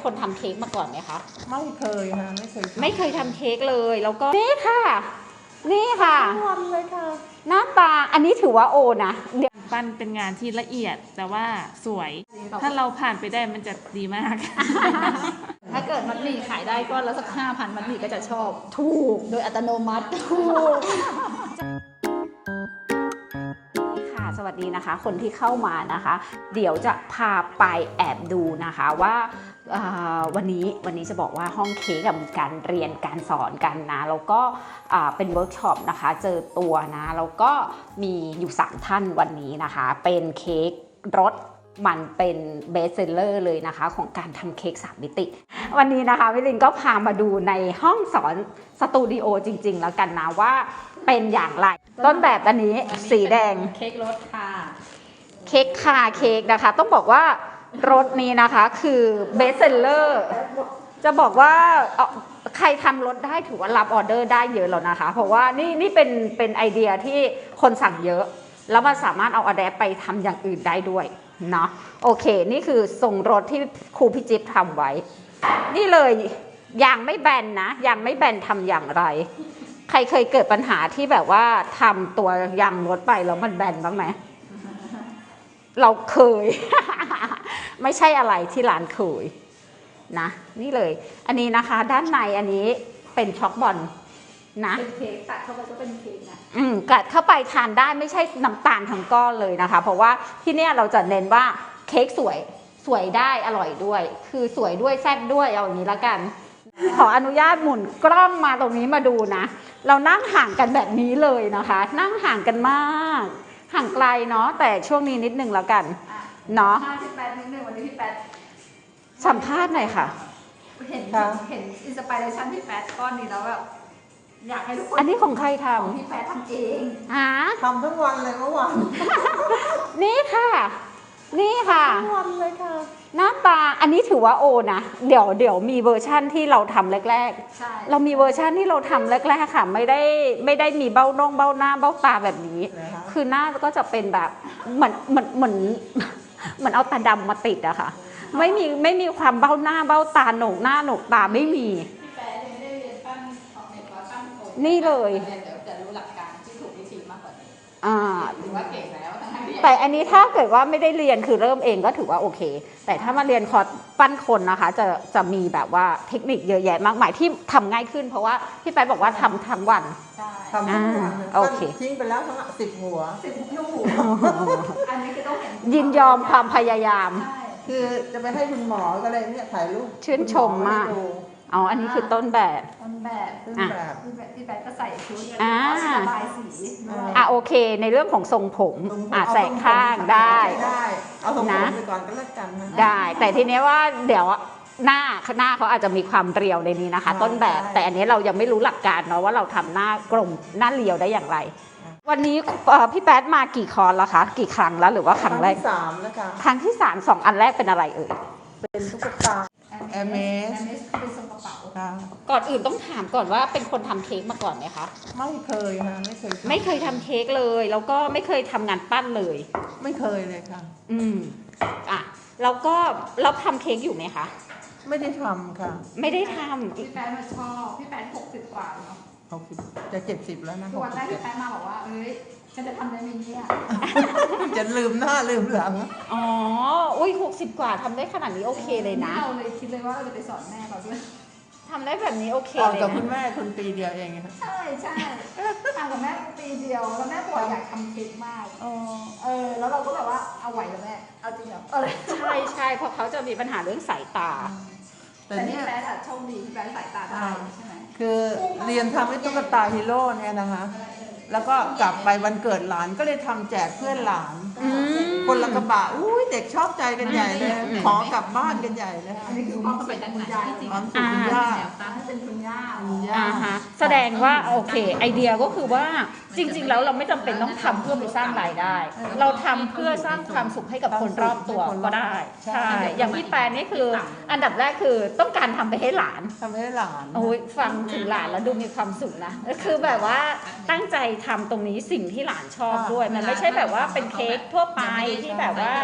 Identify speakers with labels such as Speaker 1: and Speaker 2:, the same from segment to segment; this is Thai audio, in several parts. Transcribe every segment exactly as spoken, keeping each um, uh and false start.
Speaker 1: คนทำเค้กมาก่อนไหมคะ
Speaker 2: ไม่เคยค่ะไม่เคย
Speaker 1: ไม่เคยทำเค้กเลยแล้วก็นี่ค่ะนี่ค่ะ
Speaker 2: ทำเลยค่ะ
Speaker 1: หน้าตาอันนี้ถือว่าโอนะเดี๋ยว
Speaker 3: ปั้นเป็นงานที่ละเอียดแต่ว่าสวยถ้าเราผ่านไปได้มันจะดีมาก
Speaker 4: ถ้าเกิดมัดหมี่ขายได้ก้อนละสักห้าพันมัดหมี่ก็จะชอบ
Speaker 1: ถูก
Speaker 4: โดยอัตโนมัติ
Speaker 1: ถูกค่ะสวัสดีนะคะคนที่เข้ามานะคะ เดี๋ยวจะพาไปแอบดูนะคะว่าวันนี้วันนี้จะบอกว่าห้องเค้กมีการเรียนการสอนกันนะแล้วก็เป็นเวิร์กช็อปนะคะเจอตัวนะแล้วก็มีอยู่สามท่านวันนี้นะคะเป็นเค้กรสมันเป็นเบสเซลเลอร์เลยนะคะของการทำเค้กสามมิติวันนี้นะคะวิลินก็พามาดูในห้องสอนสตูดิโอจริงๆแล้วกันนะว่าเป็นอย่างไรต้นแบบอันนี้สีแดง
Speaker 4: เค้กรสค่ะ
Speaker 1: เค้กคาเค้กนะคะต้องบอกว่ารสนี้นะคะคือเบสเซลเลอร์จะบอกว่าใครทำรสได้ถือว่ารับออเดอร์ได้เยอะแล้วนะคะเพราะว่านี่นี่เป็นเป็นไอเดียที่คนสั่งเยอะแล้วมันสามารถเอาอะแดปไปทำอย่างอื่นได้ด้วยเนาะโอเคนี่คือทรงรสที่ครูพี่จิ๊บทำไว้นี่เลยยางไม่แบนนะยางไม่แบนทำอย่างไรใครเคยเกิดปัญหาที่แบบว่าทำตัวยางรถไปแล้วมันแบนบ้างไหมเราเคย ไม่ใช่อะไรที่ร้านเคยนะนี่เลยอันนี้นะคะด้านในอันนี้เป็นช็อกบอลนะ
Speaker 4: เป็นเค้กตัดเข้าไปก็เป็นเค้กนะ
Speaker 1: อืมกัดเข้าไปทานได้ไม่ใช่น้ำตาลทั้งก้อนเลยนะคะเพราะว่าที่เนี่ยเราจะเน้นว่าเค้กสวยสวยได้อร่อยด้วยคือสวยด้วยแซ่บด้วยเอาอย่างนี้ละกันขออนุญาตหมุนกล้องมาตรงนี้มาดูนะเรานั่งห่างกันแบบนี้เลยนะคะนั่งห่างกันมากห่างไกลเนาะแต่ช่วงนี้นิดนึงแล้วกันเนาะ
Speaker 4: พี่แป๊ดนิดนึงวันนี้พี่แป๊ด
Speaker 1: สัมภาษณ์หน่อยค่ะ
Speaker 4: เห็นเห็นอินสปิเรชันพี่แป๊ดก้อนนี้แล้วแบบอยากให้ทุกคน
Speaker 1: อันนี้ของใครท
Speaker 4: ำของพี่แป๊ดทำเอง
Speaker 1: ฮะ
Speaker 2: ทำทั้งวันเลยเมื่อวาน
Speaker 1: นี่ค่ะนี่ค่ะ
Speaker 2: ทั้งวันเลยค่ะ
Speaker 1: หน้าตาอันนี้ถือว่าโอนะเดี๋ยวเดี๋ยวมีเวอร์ชั่นที่เราทำแรกๆเรามีเวอร์ชั่นที่เราทำแรกๆค่ะไม่ได้ไม่ได้มีเบ้าน่องเบ้าหน้าเบ้าตาแบบนี้คือหน้าก็จะเป็นแบบเหมือนเหมือนเหมือนเหมือนเอาตาดำมาติดอะค่ะไม่มีไม่มีความเบ้าหน้าเบ้าตาโหนกหน้าโหนกตาไม่มีนี่เลย
Speaker 4: เดี๋ยวจะรู้หลักการที่ถูกวิธีมากกว่านี้
Speaker 1: อ่า
Speaker 4: ถือว่าเก่งแล้ว
Speaker 1: แต่อันนี้ถ้าเกิดว่าไม่ได้เรียนคือเริ่มเองก็ถือว่าโอเคแต่ถ้ามาเรียนคอร์สปั้นคนนะคะจะจะมีแบบว่าเทคนิคเยอะแยะมากมายที่ทำง่ายขึ้นเพราะว่าพี่แป๊ดบอกว่าทำทั้งวัน
Speaker 4: ใช่
Speaker 2: ทำทั้งวัน
Speaker 1: โอเค
Speaker 2: ทิ้งไปแล้วทั้งสิบหัว
Speaker 4: สิบลูกอันนี้คือต้องเห็น
Speaker 1: ยินยอมความพยายาม
Speaker 2: คือจะไปให้คุณหมอก็เลยเนี่ยถ่ายรูป
Speaker 1: ชื่นชมมากอ๋ออันนี้คือต้นแบบ
Speaker 4: ต้นแบบต้นแบบพี่แป๊ดก็ใส่ชุดระบายสี
Speaker 1: อ่ะโอเคในเรื่องของทรงผมอ่ะแสกข้างได้
Speaker 2: ได้เอาทรงผมไปก่อนก็แล้วกัน
Speaker 1: ได้แต่ทีนี้ว่าเดี๋ยวหน้าหน้าเขาอาจจะมีความเรียวในนี้นะคะต้นแบบแต่อันนี้เรายังไม่รู้หลักการเนาะว่าเราทำหน้ากลมหน้าเรียวได้อย่างไรวันนี้พี่แป๊ดมากี่คอร์สแล้วคะกี่ครั้งแล้วหรือว่าครั้งแรก
Speaker 2: ครั้งที่สามแล้วค่ะ
Speaker 1: ครั้งที่สามสองอันแรกเป็นอะไรเอ่ย
Speaker 2: เป็นตุ๊กตาแอร์เมส
Speaker 4: เป็นทรงกระเป๋า
Speaker 1: ก่อนอื่นต้องถามก่อนว่าเป็นคนทำเค้กมาก่อนไหมคะ
Speaker 2: ไม่เคยค่ะไม่เคย
Speaker 1: ไม่เคยทำเค้กเลยแล้วก็ไม่เคยทำงานปั้นเลย
Speaker 2: ไม่เคยเลยค่ะ
Speaker 1: อืมอ่ะแล้วก็เราทำเค้กอยู่ไหมคะ
Speaker 2: ไม่ได้ทำค่ะ
Speaker 1: ไม่ได้ทำ
Speaker 4: พี่แป๊ดมาชอบพี่แป๊ดหกสิบกว่าเนาะ
Speaker 2: หกสิบจะเจ็ดสิบแล้วนะ
Speaker 4: วันแรกพี่แป๊ดมาบอกว่าเอ้ยฉันจะทำได้ไหมเนี่ย
Speaker 2: จะลืมหน้าลืมหลัง
Speaker 1: อ๋ออุ้ยหกสิบกว่าทำได้ขนาดนี้โอเคเลยนะ
Speaker 4: เราเลยคิดเลยว่าเราจะไปสอนแม่เราด้วย
Speaker 1: ทำได้แบบนี้โอเคเลยนะ
Speaker 2: กับคุณแม่คนปีเดียวเอง
Speaker 4: ใช่ใช่ทำกับแม่ปีเดียวแล้วแม่บอกอยากทำเค้กมากเออแล้วเราก็แบบว่าเอาไหวแล้วแม่เอาจริงเหรอ
Speaker 1: ใช่ใช่เพราะเขาจะมีปัญหาเรื่องสายตา
Speaker 4: แต่นี่แป๊ดโชคดีที่แป๊ดสายตาได้ใช่ไหม
Speaker 2: คือเรียนทำให้ตุ๊กตาฮีโร่เนี่ยนะคะแล้วก็กลับไปวันเกิดหลานก็เลยทำแจกเพื่อนหลานคนละกระบะอุ้ยเด็กชอบใจกันใหญ่เลยขอกลับบ้านกันใหญ่เลย
Speaker 4: อันนี้คือความเป็นคุณยายจริง
Speaker 2: ความสุขคุณย่า
Speaker 4: เป็นคุณย่า
Speaker 1: อ่าฮะแสดงว่าโอเคไอเดียก็คือว่าจริงๆแล้วเราไม่จำเป็นต้องทำเพื่อไปสร้างรายได้เราทำเพื่อสร้างความสุขให้กับคนรอบตัวก็ได้ใช่อย่างพี่แปนนี่คืออันดับแรกคือต้องการทำไปให้หลาน
Speaker 2: ทำให้หลาน
Speaker 1: โอ้ยฟังถึงหลานแล้วดูมีความสุขนะคือแบบว่าตั้งใจทำตรงนี้สิ่งที่หลานชอบด้วยมันไม่ใช่แบบว่าเป็นเค้กทั่วไปที่แบบว่า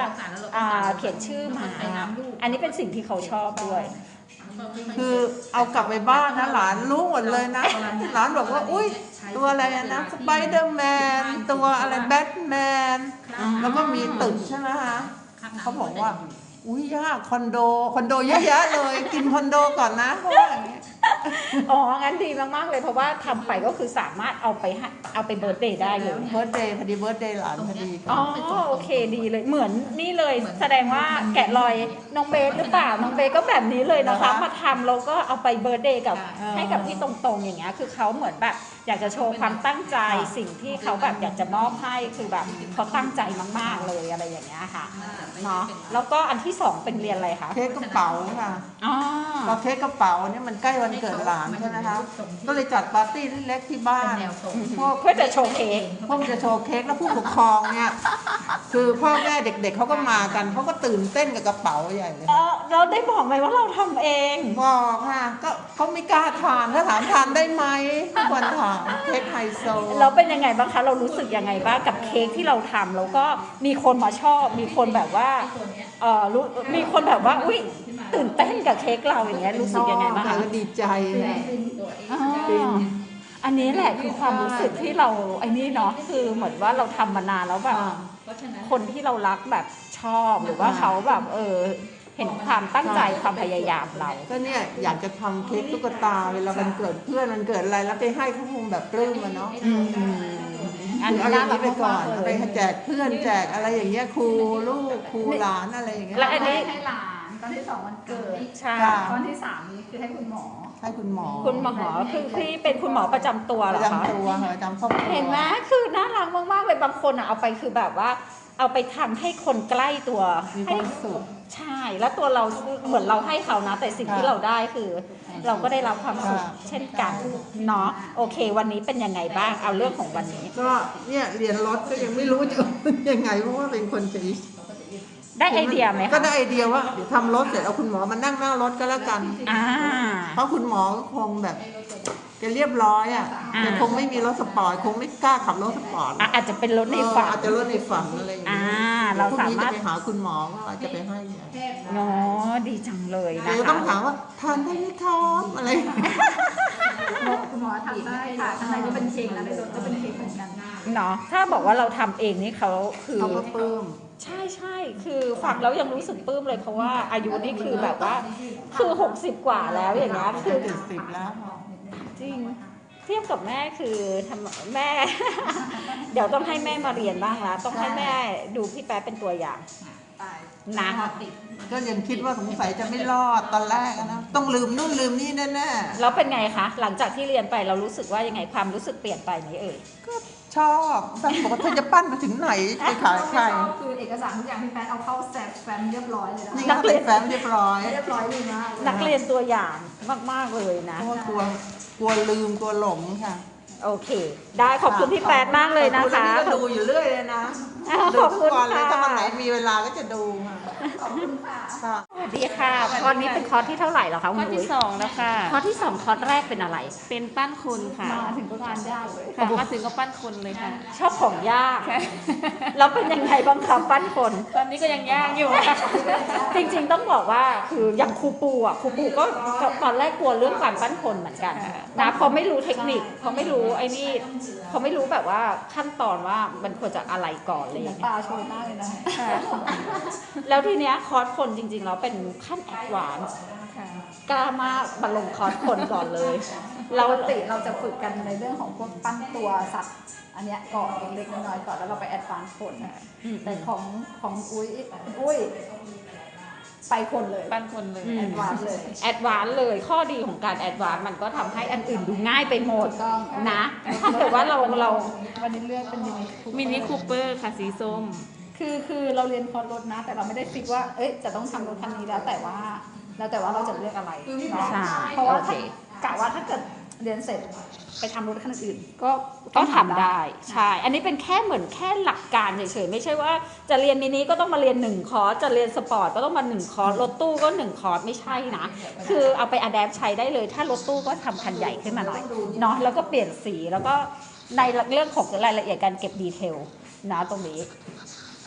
Speaker 1: อ่าเขียนชื่อมาอันนี้เป็นสิ่งที่เขาชอบด้วย
Speaker 2: คือเอากลับไปบ้านนะหลานรู้หมดเลยนะหลานบอกว่าอุ้ยตัวอะไรนะสไปเดอร์แมนตัวอะไรแบทแมนแล้วก็มีตึกใช่ไหมคะเขาบอกว่าอุ้ยยากคอนโดคอนโดเยอะแยะเลยกินคอนโดก่อนนะเพราะว่าอย่างเงี้ย
Speaker 1: อ๋องั้นดีมากๆเลยเพราะว่าทำไปก็คือสามารถเอาไปให้เอาไปเบิร์ธเดย์ได้เลย
Speaker 2: เบิร์ดเดย์พอดีเบิร์ดเดย์หลานพอดี
Speaker 1: อ๋อโอเคดีเลยเหมือนนี่เลยแสดงว่าแกะรอยน้องเบสหรือเปล่าน้องเบสก็แบบนี้เลยนะคะมาทำแล้วก็เอาไปเบิร์ธเดย์กับให้กับพี่ตรงๆอย่างเงี้ยคือเขาเหมือนแบบอยากจะโชว์ความตั้งใจสิ่งที่เขาแบบอยากจะมอบให้คือแบบเขาตั้งใจมากๆเลยอะไรอย่างเงี้ยค่ะเนาะแล้วก็อันที่สองเป็นเรียนอะไรคะ
Speaker 2: เค้กกระเป๋าค่ะ
Speaker 1: อ๋อ
Speaker 2: พอเค้กกระเป๋าเนี่ยมันใกล้วันเกิดหลานใช่ไหมคะก็เลยจัดปาร์ตี้เล็กๆที่บ้านพวก
Speaker 1: เพื่อจะโชว์เค้ก
Speaker 2: พวกจะโชว์เค้กแล้วผู้ปกครองเนี่ยคือพ่อแม่เด็กๆเขาก็มากันเขาก็ตื่นเต้นกับกระเป๋าใหญ่เลย
Speaker 1: เออเราได้บอกไหมว่าเราทำเอง
Speaker 2: บอกค่ะก็เขาไม่กล้าทานถ้าถามทานได้ไหมทุกคนถามเค้กไฮโซ
Speaker 1: เราเป็นยังไงบ้างคะเรารู้สึกยังไงบ้างกับเค้กที่เราทำแล้วก็มีคนมาชอบ มีคนแบบว่าเออรู้มีคนแบบว่าอุ้ยตื่นเต้นกับเค้กเราอย่างเงี้ยรู้สึกยังไงบ้างคะ
Speaker 2: ก็ดีใจ
Speaker 1: อ๋ออันนี้แหละคือความรู้สึกที่เราไอ้นี่เนาะคือเหมือนว่าเราทำมานานแล้วแบบคนที่เรารักแบบชอบหรือว่าเขาแบบเออเห็นความตั้งใจความพยายามเรา
Speaker 2: ก็เนี่ยอยากจะทำเค้กตุ๊กตาเวลามันเกิดเพื่อนมันเกิดอะไรแล้วไปให้เขาคงแบบปลื้มมันเนาะ
Speaker 1: อืมอันนี้
Speaker 2: เอาอ
Speaker 1: น่า
Speaker 2: ย่าง
Speaker 1: รั
Speaker 2: นี้
Speaker 1: ก
Speaker 2: ไปก่อน
Speaker 1: มากๆเล
Speaker 2: ไป
Speaker 1: ย
Speaker 2: แจกเพื่อนแจกอะไรอย่างเงี้ยครูลูกครูหลานอะไรอย่างเงี้ย
Speaker 1: และอันนี้
Speaker 4: ให้หลานตอนที่สองวันเกิด
Speaker 1: ใช่
Speaker 4: ตอนที่สามนี้คือให้คุณหมอ
Speaker 2: ให้คุณหมอ
Speaker 1: คุณหมอคือที่เป็นคุณหมอประจำตัว
Speaker 2: ป
Speaker 1: เหร
Speaker 2: ระ
Speaker 1: อคะ
Speaker 2: จำตัวเหรอประจำครอบครัว
Speaker 1: เห็นไหมคือน่ารักมากๆเลยบางคนอ่ะเอาไปคือแบบว่า เอาไปทำให้คนใกล้ตัว
Speaker 2: มีค
Speaker 1: ให้
Speaker 2: วามสุข
Speaker 1: ใช่ แล้วตัวเราเหมือนเราให้เขานะ แต่สิ่งที่เราได้คือ เราก็ได้รับความสุข
Speaker 2: ค่ะ
Speaker 1: เช่นกันเนาะโอเค วันนี้เป็นยังไงบ้างเอาเรื่องของวันนี้
Speaker 2: ก็เนี่ยเรียนรถก็ยังไม่รู้จะยังไงเพราะว่าเป็นคนจะ
Speaker 1: ได้ไอเดียไหม
Speaker 2: ก็
Speaker 1: คะ
Speaker 2: ได้ไอเดียว่าเดี๋ยวทำรถเสร็จเอาคุณหมอมานั่งหน้ารถก็แล้วกัน
Speaker 1: อ่า
Speaker 2: เพราะคุณหมอก็คงแบบแกเรียบร้อยอ่ะ
Speaker 1: อ่า
Speaker 2: แกคงไม่มีรถสปอร์ตคงไม่กล้าขับรถสปอร์ต
Speaker 1: อ่ะอาจจะเป็นรถในฝัน
Speaker 2: อาจจะรถในฝันอะไรอย่าง
Speaker 1: อ่า
Speaker 2: เงี้ย
Speaker 1: เรา
Speaker 2: พรุ่ง
Speaker 1: สา
Speaker 2: นี้
Speaker 1: มา
Speaker 2: จะ
Speaker 1: รถ
Speaker 2: ไปหาคุณหมอก็จะไปให้เนี่ย
Speaker 1: เนาะดีจังเลย
Speaker 2: แก
Speaker 1: นะ
Speaker 2: จะ
Speaker 1: คะ
Speaker 2: ต้องถามว่าทานได้ไหมครับอะไร
Speaker 4: คุณหมอทำได้ค่ะข้างในก็เป็นเค้กนะในรถก็เป็นเค้กเหมือนกัน
Speaker 1: เนาะถ้าบอกว่าเราทำเองนี่เขาคือ
Speaker 2: เขาก็ปลื้ม
Speaker 1: ใช่ใช่คือฟังแล้วยังรู้สึกปลื้มเลยเพราะว่าอายุนี่คือแบบว่าคือหกสิบกว่าแล้วอย่างเงี้ยคือ
Speaker 2: เจ็ดสิบแล้ว
Speaker 1: จริงเทียบกับแม่คือทำแม่ เดี๋ยวต้องให้แม่มาเรียนบ้างละต้องให้แม่ดูพี่แป๊ะเป็นตัวอย่างนะ
Speaker 2: ก็ยังคิดว่าสงสัยจะไม่รอดตอนแรกอะนะต้องลืมนู่นลืมนี่แน่
Speaker 1: แล้วเป็นไงคะหลังจากที่เรียนไปเรารู้สึกว่ายังไงความรู้สึกเปลี่ยนไปไหมเอ่ย
Speaker 2: ๆก็ชอบแฟนบอกว่าเธอจะปั้นไปถึงไหนไปขายใคร
Speaker 4: ชอบคือเอกสารทุกอย่างที่แฟนเอาเข้าแซฟแฟมเรียบร้อยเลยนะ
Speaker 2: นี่ก็เป็นแฟ้มเรียบร้อย
Speaker 4: เรียบร้อยดีมาก
Speaker 1: นักเรียนตัวอย่างมากๆเลยนะ
Speaker 2: เพราะว่ากลัวกลัวลืมกลัวหลงค่ะ
Speaker 1: โอเค ได้ขอบคุณพี่แป๊ดมากเลยนะคะ
Speaker 2: ขอบณก็ดูอยู่เรื่อยเลยนะ
Speaker 1: อ้าว
Speaker 2: ดู
Speaker 1: ขอบ
Speaker 2: ทุ
Speaker 1: คุ
Speaker 2: ก
Speaker 1: ณ
Speaker 2: วันเลย
Speaker 1: ค่ะ
Speaker 2: ถ้าวันไหนมีเวลาก็จะดูค่ะ
Speaker 4: ขอบคุณค่ะ
Speaker 2: ค่ะ
Speaker 1: สวัสดีค่ะคอร์สนี้เป็นคอร์สที่เท่าไหร่เหรอคะ
Speaker 3: ข้
Speaker 1: คุ
Speaker 3: อ
Speaker 1: ณ
Speaker 3: ที่
Speaker 1: อุ้ย
Speaker 3: สองแล้วค่ะ
Speaker 1: คอร์สที่สองคอร์สแรกเป็นอะไร
Speaker 3: เป็นปั้นคนค่ะ
Speaker 4: มาถึงก็ทานยากเลย
Speaker 3: ค่ะมาถึงก็ปั้นคนเลยค่ะ
Speaker 1: ชอบของยากแล้วเป็นยังไงบ้างคะปั้นคน
Speaker 3: ตอนนี้ก็ยังยากอยู่ค่ะ
Speaker 1: จริงๆต้องบอกว่าคืออย่างครูปูอ่ะครูปูก็ตอนแรกกลัวเรื่องการปั้นคนเหมือนกันนะเพราะไม่รู้เทคนิคเพราะไม่รู้ไอ้นี่เพราะไม่รู้แบบว่าขั้นตอนว่ามันควรจะอะไรก่อนอะไรอย่างเลย
Speaker 4: ตาโชยมากเลยนะ
Speaker 1: แล้วทีเนี้ยคอร์สคนจริงๆแล้วเป็นขั้นแอดวานซ์กล้ามากมาลงคอร์สคนก่อนเลย
Speaker 4: เรา
Speaker 1: เรา
Speaker 4: ปกติเราจะฝึกกันในเรื่องของพวกปั้นตัวสัตว์ อันเนี้ยก่อนเล็กๆน้อยๆก่อนแล้วเราไปแอดวานซ์คนแต่ของของอุ้ยอุ้ยไปคนเลย
Speaker 3: ปั้นคนเลย
Speaker 1: อืม
Speaker 4: แอดวานซ์เลย
Speaker 1: แอดวานซ์เลยข้อดีของการแอดวานซ์มันก็ทำให้อันอื่นดูง่ายไปหมด
Speaker 4: ถูกต้อง
Speaker 1: นะถ้าเกิดว่าเราเรา
Speaker 4: วันนี้เลือกเป็นมินิคู
Speaker 3: มินิคูเปอร์ค่ะสีส้ม
Speaker 4: คือคือเราเรียนคอร์สรถนะ แต่เราไม่ได้ฟิกว่าเอ้ยจะต้องทำรถคันนี้แล้วแต่ว่า แล้วแต่ว่าเราจะเลือกอะไรเนาะ
Speaker 1: ใช่
Speaker 4: เพราะว่า
Speaker 1: โอเค
Speaker 4: ถ้ากะว่าถ้าเกิดเรียนเสร็จไปทำรถคันอื่นก็
Speaker 1: ก็ทำได้ใช่ อันนี้เป็นแค่เหมือนแค่หลักการเฉยๆไม่ใช่ว่าจะเรียนมินิก็ต้องมาเรียนหนึ่งคอร์สจะเรียนสปอร์ตก็ต้องมาหนึ่งคอร์สรถตู้ก็หนึ่งคอร์สไม่ใช่นะคือเอาไปอัดแอปใช้ได้เลย ถ้ารถตู้ก็ทำคันใหญ่ขึ้นมาหน่อยเนาะแล้วก็เปลี่ยนสีแล้วก็ในเรื่องของรายละเอียดการเก็บดีเทลนะตรงนี้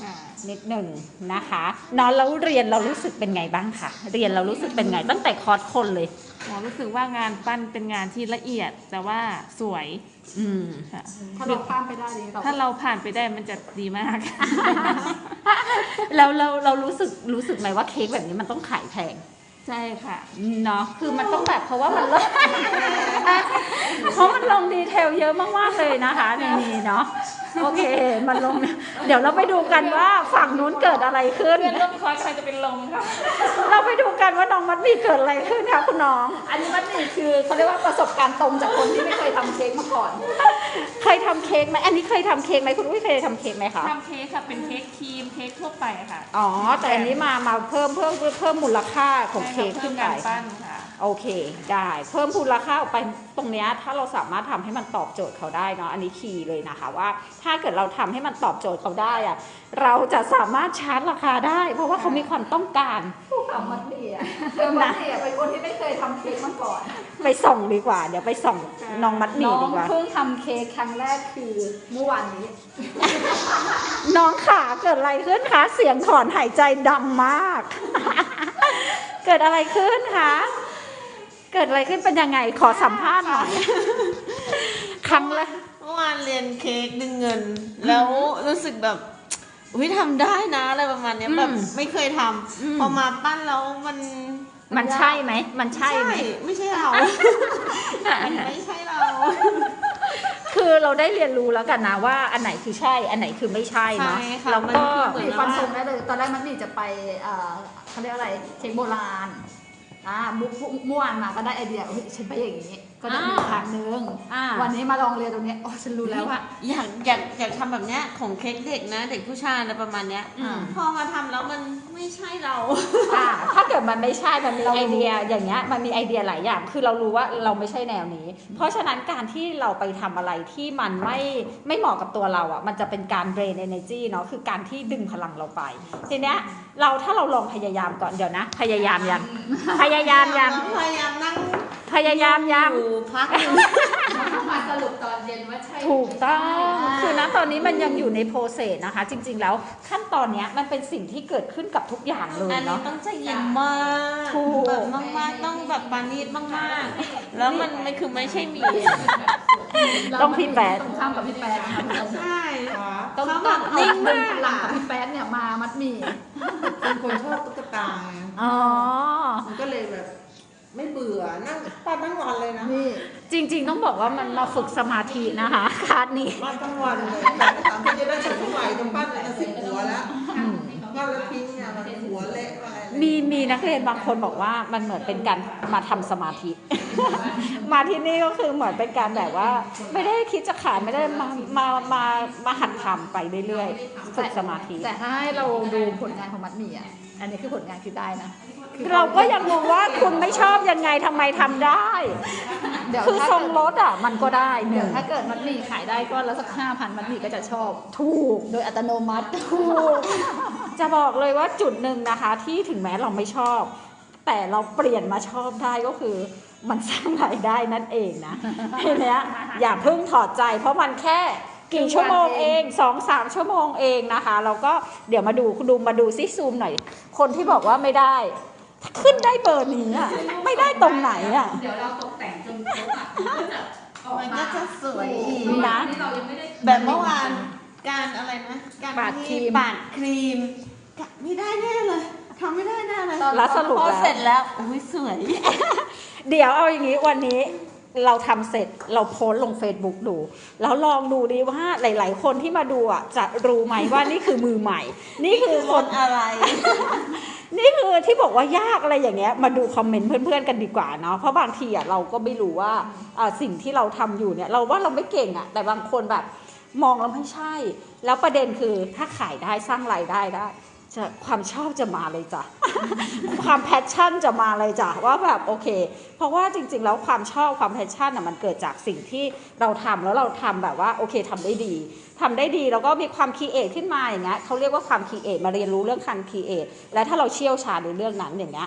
Speaker 1: นิดหนึ่งนะคะเนอนแล้วเรียนเรารู้สึกเป็นไงบ้างคะเรียนเรารู้สึกเป็นไงตั้งแต่คอร์สคนเลย
Speaker 3: หมอรู้สึกว่างานปั้นเป็นงานที่ละเอียดแต่ว่าสวย
Speaker 1: อืม
Speaker 3: ค่ะ
Speaker 4: ถ้าเราข้ามไปได้ดีเรา
Speaker 3: ถ้าเราผ่านไปได้มันจะดีมาก
Speaker 1: แล้วเราเรารู้สึกรู้สึกไหมว่าเค้กแบบนี้มันต้องขายแพง
Speaker 3: ใช่ค่ะ
Speaker 1: เนาะคือมันต้องแบบเพราะว่ามันลง เพราะมันลงดีเทลเยอะมากๆเลยนะคะในนี้เนาะโอเคมันลง เดี๋ยวเราไปดูกันว่าฝั่งนู้นเกิดอะไรขึ้น
Speaker 3: เพื่อนร่วมคอร์สใครจะเป็นลมค่ะ
Speaker 1: เราไปดูกันว่าน้องมัดหมีเกิดอะไรขึ้นคะคุณน้อง
Speaker 4: อันนี้มันนี่คือเขาเรียกว่าประสบการณ์ตรงจากคนที่ไม่เคยทำเค้กมาก่อน
Speaker 1: เคยทำเค้กไหมอันนี้เคยทำเค้กไหมคุณอุ้ยเคยทำเค้กไหมคะ
Speaker 3: ทำเค้กค่ะเป็นเค้กครีมเค้กทั่วไปอะค่ะ
Speaker 1: อ๋อแต่อันนี้มามาเพิ่มเพิ่มเพิ่มมูลค่าของเค้ก
Speaker 3: ใช่ค่ะ
Speaker 1: ขึ้นไป
Speaker 3: เพิ่มการปั้นค่ะ
Speaker 1: โอเคได้เพิ่มมูลค่าออกไปตรงเนี้ยถ้าเราสามารถทำให้มันตอบโจทย์เขาได้เนาะอันนี้คีย์เลยนะคะว่าถ้าเกิดเราทำให้มันตอบโจทย์เขาได้อะเราจะสามารถชาร์จราคาได้ เพราะว่าเขามีความต้องการ
Speaker 4: ผู้ทำมัดหมี่อ่ะคือมัดหมี่อะเป็นคนที่ไม่เคยทำเค้กมาก่อน
Speaker 1: ไปส่องดีกว่า เดี๋ยวไปส่องน้องมัดห
Speaker 4: น้
Speaker 1: มี่
Speaker 4: อง
Speaker 1: ดีกว่า
Speaker 4: เพิ่งทำเค้กครั้งแรกคือเมื่อวานนี้
Speaker 1: น้องขาเกิดอะไรขึ้นคะเสียงถอนหายใจดังมาก เกิดอะไรขึ้นคะเกิดอะไรขึ้นเป็นยังไงขอสัมภาษณ์หน่อยครั้งแรก
Speaker 5: เมื่อวานเรียนเค้กดึงเงิน แล้วรู้สึกแบบอุ้ยทำได้นะอะไรประมาณเนี้ย
Speaker 1: อืม
Speaker 5: แบบไม่เคยท
Speaker 1: อืม
Speaker 5: ำพอมาปั้นแล้วมัน
Speaker 1: มันใช่ไหมมันใช่ไหม
Speaker 5: ไม่ใช่เรามันไม่ใช่เรา
Speaker 1: คือเราได้เรียนรู้แล้วกันนะว่าอันไหนคือใช่ อันไหนคือไม่ใช่เนาะ
Speaker 5: ใช่ค่ะ
Speaker 1: แล้ว
Speaker 5: มัน
Speaker 1: ก็
Speaker 5: คือเหมือน
Speaker 4: มีฟันธงได้เลย ตอนแรกมันนี่จะไปเอ่อเขาเรียกอะไรเค้กโบราณอ่ามุกเมื่อวานมาก็ได้ไอเดียเฮ้ยฉันไปอย่างนี้ ก็ได้มีทางนึง
Speaker 1: อ่า
Speaker 4: วันนี้มาลองเรียนตรงนี้โอ้ฉันรู้แล้วว่า
Speaker 5: อยากอยากอยากทำแบบเนี้ยของเค้กเด็กนะ เด็กผู้ชายอะไรประมาณเนี้ย
Speaker 1: อืม
Speaker 5: พอมาทำแล้วมันไม่ใช่เรา
Speaker 1: อ่าถ้าเกิดมันไม่ใช่ มันมีไอเดียอย่างเงี้ย มันมีไอเดียหลายอย่าง คือเรารู้ว่าเราไม่ใช่แนวนี้ เพราะฉะนั้นการที่เราไปทำอะไรที่มันไม่ไม่เหมาะกับตัวเราอ่ะ มันจะเป็นการ drain energy เนาะ คือการที่ดึงพลังเราไป ทีเนี้ยเราถ้าเราลองพยายามก่อนเดี๋ยวนะ พยายามยัง พยายามยัง
Speaker 5: พยายามนั่ง
Speaker 1: พยายามยัง
Speaker 5: อยู่พักหนึง
Speaker 4: มาสรุปตอนเย็นว่าใช่
Speaker 1: ถูกต้อง คือนะตอนนี้มันยังอยู่ในโปรเซสนะคะ จริง ๆ แล้วขั้นตอนเนี้ยมันเป็นสิ่งที่เกิดขึ้นกับทุกอย่างเลย
Speaker 5: อันนี้
Speaker 1: เนาะ
Speaker 5: ต้องใจเย็นมาก
Speaker 1: ถูก
Speaker 5: แบบมากๆต้องแบบปานีตมากๆ แล้วมันไม่คือไม่ใช่หมี
Speaker 1: ต้องพี่แป๊ด
Speaker 4: ต้องข้ามกับพี่แป๊ดนะคะ
Speaker 5: ใช่ค่ะ
Speaker 4: ต้อง
Speaker 5: เขา
Speaker 4: ต้
Speaker 5: แบ
Speaker 4: อง
Speaker 5: บ
Speaker 4: เอา
Speaker 5: นิ่ง
Speaker 4: ดึ
Speaker 5: มาง ก
Speaker 4: พลัง
Speaker 5: อะ
Speaker 4: กับพี่แป๊ดเนี่ยมามัดหมี่
Speaker 2: เป็นคนชอบตุ๊กตาไง
Speaker 1: อ๋อ
Speaker 2: มันก็เลยแบบ ไม่เบื่อนั่งปั้นทั้งวันเลยนะ
Speaker 4: นี่
Speaker 1: จริง ๆ ต้องบอกว่ามันมาฝึกสมาธินะคะคลาสนี้
Speaker 2: ปั้นทั้งวันเลยแต่ถามที่จะได้สักเท่าไหร่จะปั้นเลยจะสิบหัวแล้วปั้นแล้วทิ้งเนี่ยมันหัวเละอะไรเลย
Speaker 1: มีมีนักเรียนบางคนบอกว่ามันเหมือนเป็นการมาทำสมาธิ มาที่นี่ก็คือเหมือนเป็นการแบบว่า ไม่ได้คิดจะขายไม่ได้มามามามาหัดทำไปเรื่อยๆฝึกสมาธิ
Speaker 4: แต่ถ้าให้เราดูผลงานของมัดหมี่อ่ะ อันนี้คือผลงานคือได้นะคือ
Speaker 1: เราก็ยังงงว่าคุณไม่ชอบยังไงทำไมทำได้
Speaker 4: เดี๋ยว
Speaker 1: คือ
Speaker 4: ถ้า
Speaker 1: ทรงรถอ่ะมันก็ได้ห
Speaker 4: เดี๋
Speaker 1: นึ่
Speaker 4: ยว
Speaker 1: ง
Speaker 4: ถ้าเกิดมัดหมี่ขายได้ก็แล้วสักห้าพันมัดหมี่ก็จะชอบ
Speaker 1: ถูก
Speaker 4: โดยอัตโนมัติ
Speaker 1: ถูก จะบอกเลยว่าจุดหนึ่งนะคะ ที่ถึงแม้เราไม่ชอบ แต่เราเปลี่ยนมาชอบได้ก็คือ มันสร้างรายได้นั่นเองนะทีเนี้ยอย่าเพิ่งถอดใจ เพราะมันแค่กี่ชั่วโมงเองสองสามชั่วโมงเองนะคะเราก็เดี๋ยวมาดูคุณดูมาดูซิซูมหน่อย คนที่บอกว่าไม่ได้ ขึ้นได้เบอร์นี้อ่ะไม่ได้ตรงไหนอ่ะ
Speaker 6: เดี๋ยวเราตกแต่งจนครบอ่ะมันก็จะออก
Speaker 5: มัน
Speaker 6: มา
Speaker 5: ก็จะสวยอีก
Speaker 1: นะ
Speaker 6: ที่เรายังไม่ได้
Speaker 5: แบบเมื่อวานการอะไรนะ การ
Speaker 1: ปาดครี
Speaker 5: ที่
Speaker 1: ม
Speaker 5: ปาดครีมกะไม่ได้แน่เลยทำไม่ได้แน่เลย
Speaker 1: แล้วสรุป
Speaker 5: พอ
Speaker 1: แล้ว
Speaker 5: เสร็จแล้วอุ้ยสวย
Speaker 1: เดี๋ยวเอาอย่างนี้วันนี้เราทำเสร็จเราโพสต์ลง Facebook ดู แล้วลองดูดิว่าหลาย ๆ คนที่มาดูอ่ะจะรู้ไหมว่านี่คือมือใหม่ นี่คือคน
Speaker 5: อะไร
Speaker 1: นี่คือที่บอกว่ายากอะไรอย่างเงี้ยมาดูคอมเมนต์เพื่อนๆกันดีกว่าเนาะเพราะบางทีอ่ะเราก็ไม่รู้ว่าอ่าสิ่งที่เราทำอยู่เนี่ยเราว่าเราไม่เก่งอ่ะแต่บางคนแบบมองแล้วไม่ใช่ แล้วประเด็นคือถ้าขายได้สร้างรายได้ได้จะความชอบจะมาเลยจ้ะ ความแพชชั่นจะมาเลยจ้ะว่าแบบโอเค เพราะว่าจริงๆแล้วความชอบความแพชชั่นอ่ะมันเกิดจากสิ่งที่เราทำแล้วเราทำแบบว่าโอเคทำได้ดีทำได้ดีแล้วก็มีความคิดเอทขึ้นมาอย่างเงี้ยเขาเรียกว่าความคิดเอทมาเรียนรู้เรื่องการคิดเอทและถ้าเราเชี่ยวชาญในเรื่องนั้นอย่างเงี้ย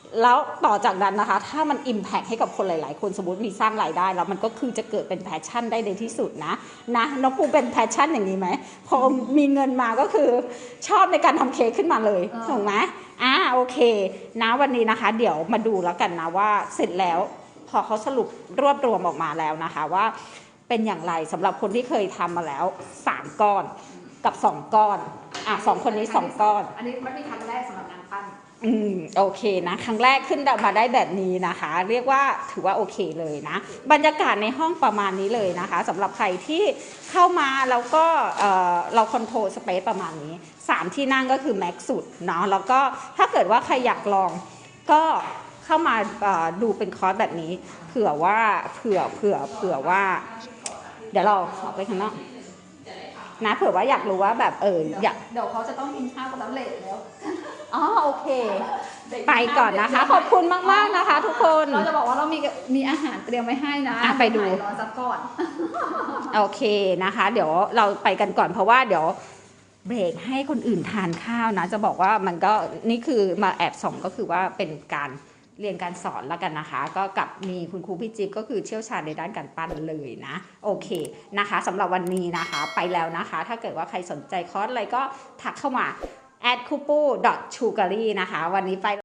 Speaker 1: แล้วต่อจากนั้นนะคะ ถ้ามัน Impact ให้กับคนหลาย ๆ คนสมมติมีสร้างรายได้ แล้วมันก็คือจะเกิดเป็นแพชชั่นได้ในที่สุดนะนะน้องปูเป็นแพชชั่นอย่างนี้ไหมพอมีเงินมาก็คือชอบในการทำเค้กขึ้นมาเลยถูกไหมอ่าโอเคนะวันนี้นะคะ เดี๋ยวมาดูแล้วกันนะว่าเสร็จแล้วพอเขาสรุปรวบรวมออกมาแล้วนะคะว่าเป็นอย่างไรสำหรับคนที่เคยทำมาแล้วสามก้อนกับสองก้อนอ่ะสองคนนี้สองก้อน
Speaker 4: อันนี้มันเป็นครั้งแรกสำหรับงานปั้น
Speaker 1: อืมโอเคนะครั้งแรกขึ้นมาได้แบบนี้นะคะ เรียกว่าถือว่าโอเคเลยนะบรรยากาศในห้องประมาณนี้เลยนะคะสำหรับใครที่เข้ามาแล้วก็เอ่อเราคอนโทรลสเปซประมาณนี้สามที่นั่งก็คือแม็กซ์สุดเนาะแล้วก็ถ้าเกิดว่าใครอยากลองก็เข้ามาเอ่อดูเป็นคอร์สแบบนี้เผื่อว่าเผื่อเผื่อเผื่อว่า เดี๋ยวเราออกไปข้างนอกนะเผื่อว่าอยากรู้ว่าแบบเอออยาก
Speaker 4: เดี๋ยวเขาจะต้องกินข้าวกับน้ำเหลวแล้ว
Speaker 1: อ๋อโอเค ไปก่อนนะคะ ขอบคุณมาก ๆ นะคะ ทุกคน
Speaker 4: เราจะบอกว่าเรามีมีอาหารเตรียมไว้ให้นะ
Speaker 1: อ่ะไปดู
Speaker 4: รอสักก่อน
Speaker 1: โอเคนะคะ เดี๋ยวเราไปกันก่อนเพราะว่าเดี๋ยวเบรกให้คนอื่นทานข้าวนะ จะบอกว่ามันก็นี่คือมาแอบส่องก็คือว่าเป็นการเรียนการสอนแล้วกันนะคะ ก็กับมีคุณครูพี่จิ๊บก็คือเชี่ยวชาญในด้านการปั้นเลยนะโอเคนะคะสำหรับวันนี้นะคะไปแล้วนะคะ ถ้าเกิดว่าใครสนใจคอร์สอะไรก็ทักเข้ามา แอดคูปู ดอท ชูการี นะคะวันนี้ไป